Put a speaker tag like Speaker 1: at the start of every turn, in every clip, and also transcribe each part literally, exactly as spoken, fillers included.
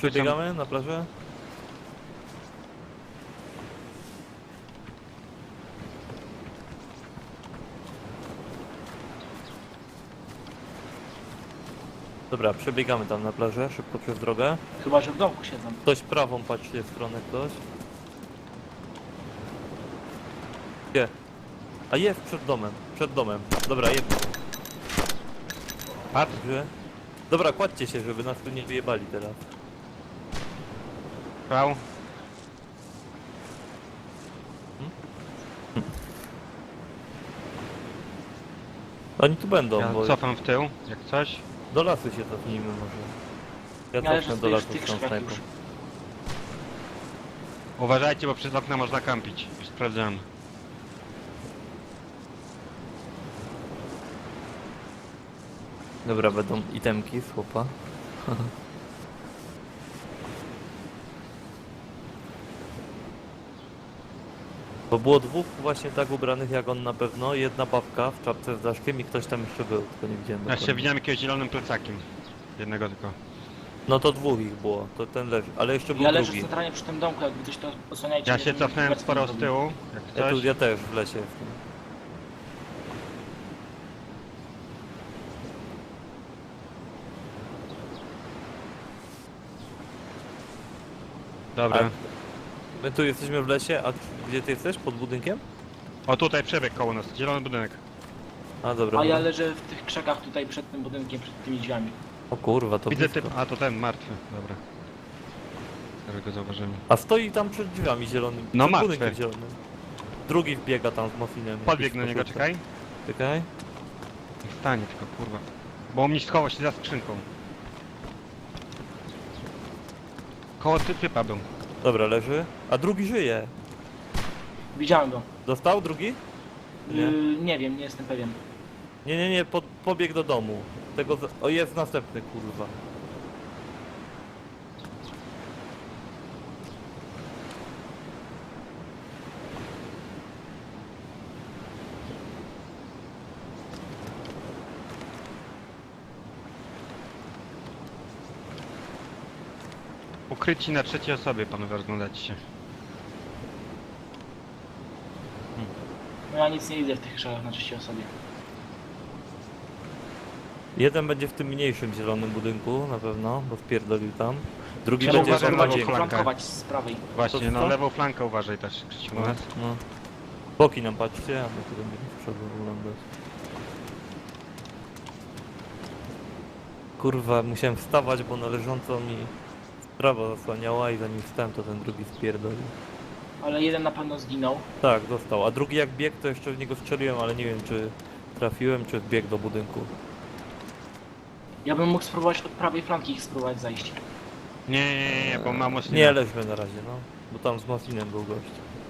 Speaker 1: Przebiegamy na plażę? Dobra, przebiegamy tam na plażę, szybko przez drogę.
Speaker 2: Chyba, że w domku siedzą.
Speaker 1: Ktoś prawą, patrzcie w stronę ktoś. Gdzie? A jest przed domem, przed domem. Dobra, jedno.
Speaker 3: Padł?
Speaker 1: Gdzie? Dobra, kładźcie się, żeby nas tu nie wyjebali teraz.
Speaker 3: Pał.
Speaker 1: Oni tu będą,
Speaker 3: Ja
Speaker 1: bo
Speaker 3: cofam w tył, jak coś.
Speaker 1: do lasu się cofnijmy może. Ja
Speaker 2: Ale że
Speaker 1: cofnę do
Speaker 2: stoisz
Speaker 1: lasu
Speaker 2: w tych
Speaker 1: z tą
Speaker 2: krzakach
Speaker 1: snajpą.
Speaker 2: już.
Speaker 3: Uważajcie, bo przez okna można kampić. Już sprawdzałem.
Speaker 1: Dobra, będą itemki z chłopa. Bo było dwóch właśnie tak ubranych jak on na pewno, jedna babka w czapce z daszkiem i ktoś tam jeszcze był, tylko nie widziałem
Speaker 3: Ja
Speaker 1: dokładnie.
Speaker 3: się widziałem jakiegoś zielonym plecakiem. Jednego tylko.
Speaker 1: No to dwóch ich było, to ten leży, ale jeszcze był
Speaker 2: Ja leżę
Speaker 1: drugi.
Speaker 2: centralnie przy tym domku, jakby coś to osłaniajcie.
Speaker 3: Ja
Speaker 2: mnie,
Speaker 3: się
Speaker 2: żebym
Speaker 3: cofnąłem
Speaker 2: obecnie
Speaker 3: sporo
Speaker 2: nie
Speaker 3: z
Speaker 2: zrobił.
Speaker 3: tyłu, jak
Speaker 1: Ja, tu,
Speaker 3: coś.
Speaker 1: ja też w lesie jestem.
Speaker 3: Dobra.
Speaker 1: My tu jesteśmy w lesie, a gdzie ty jesteś? Pod budynkiem?
Speaker 3: O, tutaj przebieg koło nas, zielony budynek.
Speaker 1: A dobra.
Speaker 2: A ja
Speaker 1: dobra.
Speaker 2: leżę w tych krzakach tutaj przed tym budynkiem, przed tymi drzwiami.
Speaker 1: O kurwa, to
Speaker 3: Widzę
Speaker 1: blisko.
Speaker 3: typ, a to ten, martwy, dobra. Teraz go zauważyłem.
Speaker 1: A stoi tam przed drzwiami zielonym.
Speaker 3: No
Speaker 1: przed
Speaker 3: martwy.
Speaker 1: budynkiem zielonym. Drugi wbiega tam z mofinem.
Speaker 3: Podbieg na niego, czekaj.
Speaker 1: Czekaj.
Speaker 3: Niech stanie tylko, kurwa. Bo on mi schował się za skrzynką. Koło ty, typa był.
Speaker 1: Dobra, leży. A drugi żyje.
Speaker 2: Widziałem go.
Speaker 1: Dostał drugi? Nie.
Speaker 2: Yy, nie wiem, nie jestem pewien.
Speaker 1: Nie, nie, nie, pod, pobiegł do domu. Tego. z- O, jest następny, kurwa.
Speaker 3: Ukryci na trzeciej osobie, panowie, rozglądać się.
Speaker 2: No ja nic nie widzę w tych krzakach na trzeciej osobie.
Speaker 1: Jeden będzie w tym mniejszym zielonym budynku, na pewno, bo wpierdolił tam. Drugi
Speaker 3: Trzeba
Speaker 1: będzie
Speaker 3: uważać
Speaker 1: w
Speaker 3: na
Speaker 1: bardziej.
Speaker 3: lewą flankę.
Speaker 2: Flankować z prawej.
Speaker 3: Właśnie,
Speaker 1: To
Speaker 3: no
Speaker 1: co?
Speaker 3: lewą flankę uważaj też, Krzysiu,
Speaker 1: No,
Speaker 3: u nas.
Speaker 1: no. Boki nam patrzcie, a my tu będziemy z przodu oglądać. Kurwa, musiałem wstawać, bo na leżąco mi sprawa zasłaniała i zanim wstałem, to ten drugi spierdolił.
Speaker 2: Ale jeden na pewno zginął.
Speaker 1: Tak, dostał. A drugi jak biegł, to jeszcze w niego strzeliłem, ale nie wiem, czy trafiłem, czy wbiegł do budynku.
Speaker 2: Ja bym mógł spróbować od prawej flanki ich spróbować zajść.
Speaker 3: Nie, nie, nie, nie, bo mam mocniej.
Speaker 1: Nie, leżmy na razie, no. Bo tam z Mofinem był gość.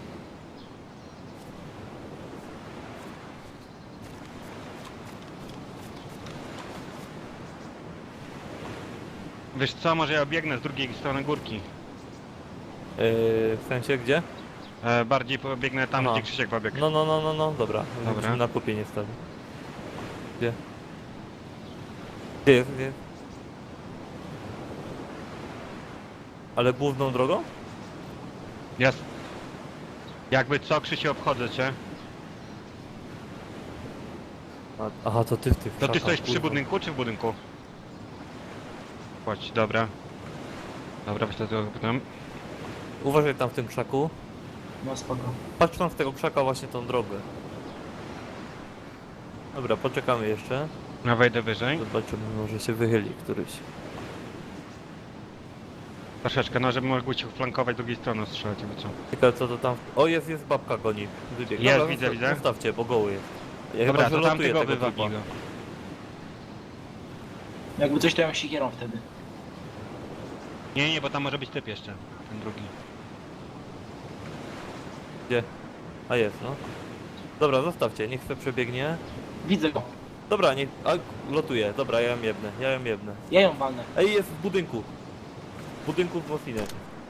Speaker 3: Wiesz co, może ja biegnę z drugiej strony górki.
Speaker 1: Yy, w sensie gdzie?
Speaker 3: E, bardziej pobiegnę tam,
Speaker 1: Aha.
Speaker 3: gdzie Krzysiek pobiegł.
Speaker 1: No, no, no, no, no, dobra.
Speaker 3: Dobra.
Speaker 1: Musimy na kupie nie stawić. Gdzie? Gdzie jest, gdzie jest? Ale główną drogą?
Speaker 3: Ja... s- Jakby co, Krzysiu, obchodzę cię.
Speaker 1: A, aha, to ty w tych
Speaker 3: To ty
Speaker 1: krzakach,
Speaker 3: stoisz przy
Speaker 1: kurwa.
Speaker 3: budynku, czy w budynku? Chodź, dobra. Dobra, myślę, że to potem.
Speaker 1: Uważaj tam w tym krzaku.
Speaker 2: No spoko.
Speaker 1: Patrz tam z tego krzaka właśnie tą drogę. Dobra, poczekamy jeszcze.
Speaker 3: Ja wejdę wyżej.
Speaker 1: Zobaczymy, może się wychyli któryś.
Speaker 3: Troszeczkę, no żeby mógł cię flankować drugiej strony strzelać, jakby co.
Speaker 1: Ciekawe co to tam... O, jest, jest babka goni. Wybieg.
Speaker 3: Jest,
Speaker 1: Dobra,
Speaker 3: widzę,
Speaker 1: zosta-
Speaker 3: widzę.
Speaker 1: Zostawcie, bo goły jest. Ja
Speaker 3: Dobra,
Speaker 1: chyba
Speaker 3: to
Speaker 1: wylotuję
Speaker 3: tamtego
Speaker 1: tego
Speaker 3: wywabij
Speaker 1: typa.
Speaker 3: go.
Speaker 2: Jakby coś to ją sikierą wtedy.
Speaker 3: Nie, nie, bo tam może być typ jeszcze. Ten drugi.
Speaker 1: Gdzie? A jest, no. Dobra, zostawcie, niech se przebiegnie.
Speaker 2: Widzę go.
Speaker 1: Dobra, niech... A, lotuje. Dobra, ja ją jebnę, ja ją jebnę.
Speaker 2: Ja ją walnę.
Speaker 1: Ej, jest w budynku. W budynku w Mofinem.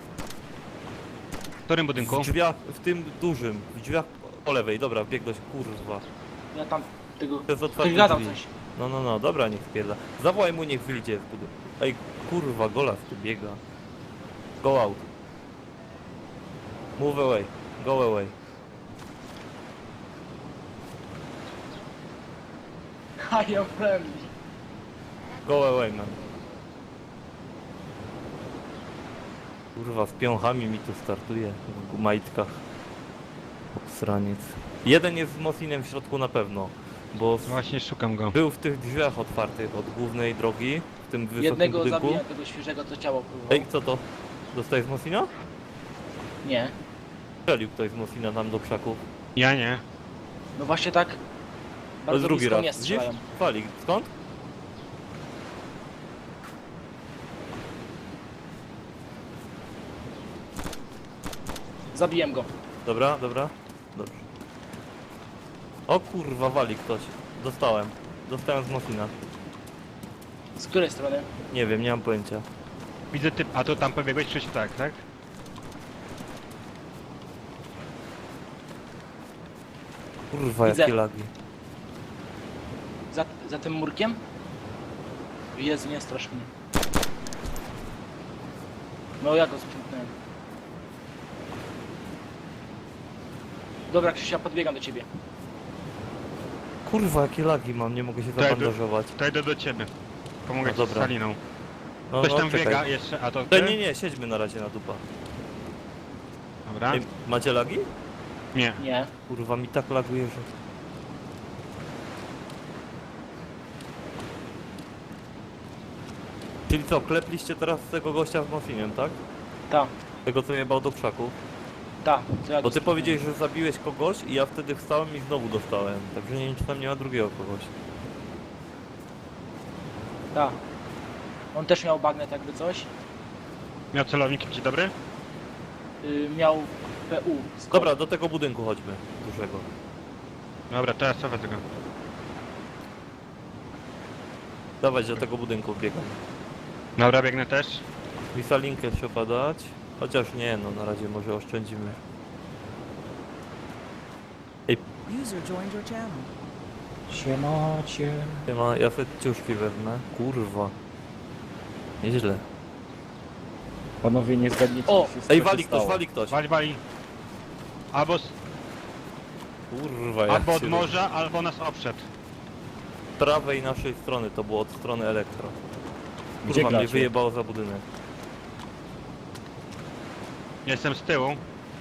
Speaker 3: W którym budynku?
Speaker 1: W drzwiach, w tym dużym. W drzwiach po lewej. Dobra, biegłeś, kurwa.
Speaker 2: Ja tam tego...
Speaker 1: To jest
Speaker 2: Ktoś
Speaker 1: otwarte
Speaker 2: gadał
Speaker 1: drzwi.
Speaker 2: coś.
Speaker 1: No, no, no, dobra, niech spierda. Zawołaj mu, niech wyjdzie z budynku. Ej, kurwa, Golas tu biega. Go out. Move away. Go away.
Speaker 2: I am friendly.
Speaker 1: Go away, man. Kurwa, z piąchami mi tu startuje w majtkach. Obsraniec. Jeden jest z Mosinem w środku na pewno, bo z-
Speaker 3: Właśnie szukam go.
Speaker 1: był w tych drzwiach otwartych od głównej drogi, w tym wysokim
Speaker 2: Jednego
Speaker 1: budynku.
Speaker 2: zabiję, tego świeżego, co ciało próbował.
Speaker 1: Ej, co to? Dostajesz z Mosina?
Speaker 2: Nie.
Speaker 1: Strzelił ktoś z Mosina nam do krzaków.
Speaker 3: Ja nie.
Speaker 2: No właśnie tak.
Speaker 1: To
Speaker 2: Bardzo
Speaker 1: jest drugi
Speaker 2: blisko
Speaker 1: raz.
Speaker 2: mnie
Speaker 1: Widzisz?
Speaker 2: strzelają.
Speaker 1: Fali. Skąd?
Speaker 2: Zabiłem go.
Speaker 1: Dobra, dobra. Dobrze. O kurwa, wali ktoś. Dostałem. Dostałem z Mosina.
Speaker 2: Z której strony?
Speaker 1: Nie wiem, nie mam pojęcia.
Speaker 3: Widzę typ, a to tam pobiegłeś Krzysiu, tak, tak?
Speaker 1: Kurwa,
Speaker 2: Widzę.
Speaker 1: jakie lagi.
Speaker 2: Za, za tym murkiem? Jezu, nie strasz mnie. No ja go sprzątnąłem. Dobra, Krzysia, podbiegam do ciebie.
Speaker 1: Kurwa, jakie lagi mam, nie mogę się
Speaker 3: Daj,
Speaker 1: zabandażować.
Speaker 3: To idę do ciebie. Pomogę
Speaker 1: No
Speaker 3: ci
Speaker 1: dobra.
Speaker 3: z Saliną.
Speaker 1: No,
Speaker 3: Ktoś
Speaker 1: no,
Speaker 3: tam
Speaker 1: czekaj.
Speaker 3: biega jeszcze, a to
Speaker 1: Ej,
Speaker 3: ty?
Speaker 1: nie, nie, siedźmy na razie na dupa.
Speaker 3: Dobra.
Speaker 1: Ej, macie lagi?
Speaker 3: Nie.
Speaker 2: Nie.
Speaker 1: Kurwa, mi tak laguje, że... Czyli co, klepliście teraz tego gościa z Mosinem, tak?
Speaker 2: Ta,
Speaker 1: Tego, co jebał do krzaków?
Speaker 2: ta. Co ja
Speaker 1: Bo
Speaker 2: go
Speaker 1: ty
Speaker 2: sprzątnąłem.
Speaker 1: powiedziałeś, że zabiłeś kogoś i ja wtedy wstałem i znowu dostałem. Także nie wiem, czy tam nie ma drugiego kogoś.
Speaker 2: Ta. On też miał bagnet jakby coś.
Speaker 3: Miał celownik ci dobry?
Speaker 2: Y, miał P U. Skok.
Speaker 1: Dobra, do tego budynku chodźmy, dużego.
Speaker 3: Dobra, teraz cofę tego.
Speaker 1: Dawać do tego budynku biegam.
Speaker 3: Dobra, biegnę też.
Speaker 1: Wisalinkę trzeba dać. Chociaż nie, no na razie może oszczędzimy.
Speaker 4: User joined your channel.
Speaker 5: Siemacie.
Speaker 1: Nie ma, ja sobie ciuszki wezmę. Kurwa. Nieźle.
Speaker 5: Panowie, nie zgadniecie,
Speaker 2: O!
Speaker 5: co się
Speaker 1: Ej,
Speaker 5: co się
Speaker 1: wali ktoś,
Speaker 5: stało.
Speaker 1: wali ktoś.
Speaker 3: Wali, wali. Albo, z,
Speaker 1: Kurwa, jak
Speaker 3: albo od
Speaker 1: się
Speaker 3: morza, albo nas obszedł.
Speaker 1: Z prawej naszej strony, to było od strony elektro.
Speaker 5: Gdzie
Speaker 1: Kurwa, mnie
Speaker 5: gracie?
Speaker 1: wyjebało za budynek.
Speaker 3: Jestem z tyłu.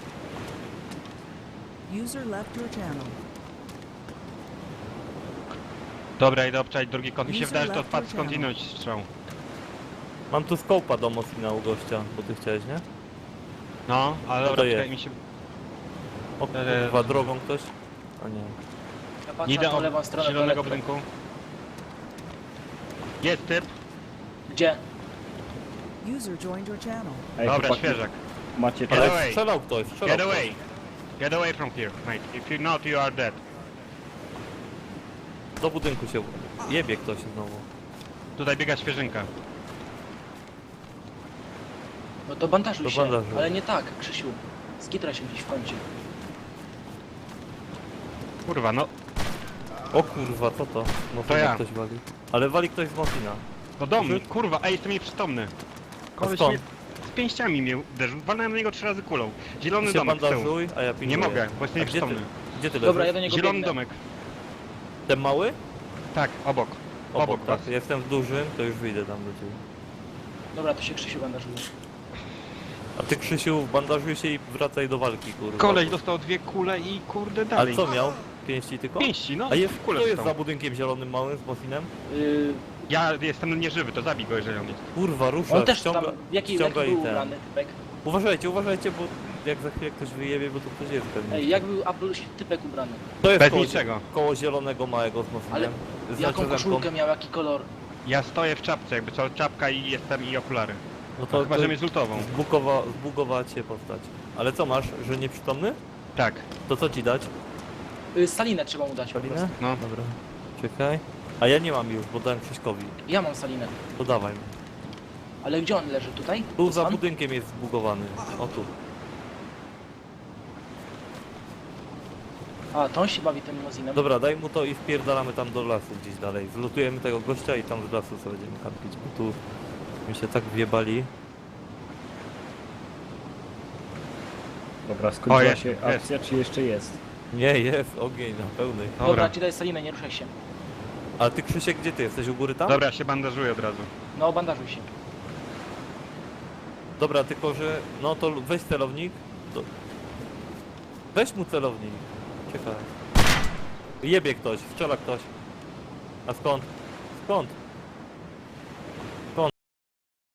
Speaker 4: User left your channel.
Speaker 3: Dobra, idę obczaić drugi kąt. Mi się
Speaker 4: User
Speaker 3: wydaje, że to
Speaker 4: left
Speaker 3: wpadł
Speaker 4: your
Speaker 3: skądinąć strzał.
Speaker 1: Mam tu skołpa do Mosina u gościa, bo ty chciałeś, nie?
Speaker 3: No, ale
Speaker 1: No to
Speaker 3: dobra,
Speaker 1: jest.
Speaker 3: czekaj, mi się...
Speaker 1: O
Speaker 3: Eee.
Speaker 1: kurwa, drogą ktoś? A nie.
Speaker 2: Ja patrzę
Speaker 3: Idę
Speaker 2: na tą
Speaker 3: od
Speaker 2: lewą stronę do
Speaker 3: zielonego
Speaker 2: elektro.
Speaker 3: budynku. Jest typ.
Speaker 2: Gdzie?
Speaker 4: User joined your channel.
Speaker 5: Ej,
Speaker 3: Dobra,
Speaker 5: chłopaki,
Speaker 3: świeżak.
Speaker 5: macie
Speaker 3: Get
Speaker 1: Ale
Speaker 3: away.
Speaker 1: strzelał ktoś, strzelał
Speaker 3: Get
Speaker 1: ktoś.
Speaker 3: away. Get away from here, mate. If you not, you are dead.
Speaker 1: Do budynku się jebie ktoś znowu.
Speaker 3: Tutaj biega świeżynka.
Speaker 2: No to bandażuj
Speaker 1: To
Speaker 2: się.
Speaker 1: bandażuj.
Speaker 2: Ale nie tak, Krzysiu. Skitra się gdzieś w kącie.
Speaker 3: Kurwa, no.
Speaker 1: O kurwa, co to? Mosina
Speaker 3: To ja.
Speaker 1: ktoś wali. Ale wali ktoś z Mosina.
Speaker 3: No do mnie,
Speaker 1: Rzy-
Speaker 3: kurwa, ej, jestem nieprzytomny. Koleś
Speaker 1: skąd?
Speaker 3: mnie z pięściami mnie uderzył. Walnąłem na niego trzy razy kulą. Zielony
Speaker 1: Ty się
Speaker 3: domek z tyłu.
Speaker 1: bandażuj, a ja pilnuję.
Speaker 3: Nie mogę, bo jestem
Speaker 1: A gdzie ty,
Speaker 3: nieprzytomny.
Speaker 1: gdzie ty
Speaker 2: Dobra, ja
Speaker 1: leżysz?
Speaker 2: do niego
Speaker 3: Zielony
Speaker 2: biegnę.
Speaker 3: domek.
Speaker 1: Ten mały?
Speaker 3: Tak, obok.
Speaker 1: Obok,
Speaker 3: Obok
Speaker 1: tak.
Speaker 3: was.
Speaker 1: Jestem w dużym, to już wyjdę tam do ciebie.
Speaker 2: Dobra, to się Krzysiu bandażuje.
Speaker 1: A ty, Krzysiu, bandażuj się i wracaj do walki, kurwa.
Speaker 3: Koleś dostał dwie kule i kurde
Speaker 1: Ale
Speaker 3: dalej.
Speaker 1: co miał? Pięści tylko?
Speaker 3: Pięści, no.
Speaker 1: A jest,
Speaker 3: kule
Speaker 1: kto jest
Speaker 3: dostał.
Speaker 1: za budynkiem zielonym małym z Mosinem?
Speaker 2: Yy,
Speaker 3: Ja jestem nieżywy, to zabij go, jeżeli on jest.
Speaker 1: Kurwa, rusza,
Speaker 2: on też
Speaker 1: ściąga,
Speaker 2: tam, w jaki, w jaki
Speaker 1: ściąga
Speaker 2: był
Speaker 1: i ten.
Speaker 2: ubrany typek?
Speaker 1: Uważajcie, uważajcie, bo jak za chwilę ktoś wyjebie, bo tu ktoś jest pewnie.
Speaker 2: Ej, jak był Apple typek ubrany?
Speaker 1: To jest
Speaker 3: Bez
Speaker 1: koło,
Speaker 3: niczego.
Speaker 1: koło zielonego małego z Mosinem.
Speaker 2: Ale
Speaker 1: Z
Speaker 2: Jaką
Speaker 1: nacisem
Speaker 2: koszulkę miał, jaki kolor?
Speaker 3: Ja stoję w czapce, jakby co, czapka i jestem i okulary.
Speaker 1: No
Speaker 3: To
Speaker 1: to,
Speaker 3: chyba,
Speaker 1: to
Speaker 3: że mnie zultową.
Speaker 1: zbugowa, zbugowała cię postać. Ale co masz, że nieprzytomny?
Speaker 3: Tak.
Speaker 1: To co ci dać?
Speaker 2: Yy, salinę trzeba mu dać po
Speaker 1: Salinę?
Speaker 2: prostu.
Speaker 3: No.
Speaker 1: Dobra. Czekaj. A ja nie mam już, bo dałem Krzyśkowi.
Speaker 2: Ja mam salinę.
Speaker 1: To dawaj.
Speaker 2: Ale gdzie on leży? Tutaj?
Speaker 1: Tu za
Speaker 2: Pan?
Speaker 1: budynkiem jest zbugowany. O tu.
Speaker 2: A, to on się bawi tym limuzinem.
Speaker 1: Dobra, daj mu to i wpierdalamy tam do lasu gdzieś dalej. Zlutujemy tego gościa i tam z lasu sobie będziemy kampić, bo tu mi się tak wjebali.
Speaker 5: Dobra, skończyła
Speaker 3: jest,
Speaker 5: się
Speaker 3: jest.
Speaker 5: akcja, czy jeszcze jest?
Speaker 1: Nie, jest ogień na pełnej.
Speaker 2: Dobra,
Speaker 3: Dobra,
Speaker 2: ci daj salinę, nie ruszaj się.
Speaker 1: A ty Krzysiek, gdzie ty jesteś? U góry tam?
Speaker 3: dobra, ja się bandażuję od razu.
Speaker 2: No, bandażuj się.
Speaker 1: Dobra, tylko że... No to weź celownik. Do... Weź mu celownik. Ciekawe. Jebie ktoś, strzela ktoś. A skąd? Skąd?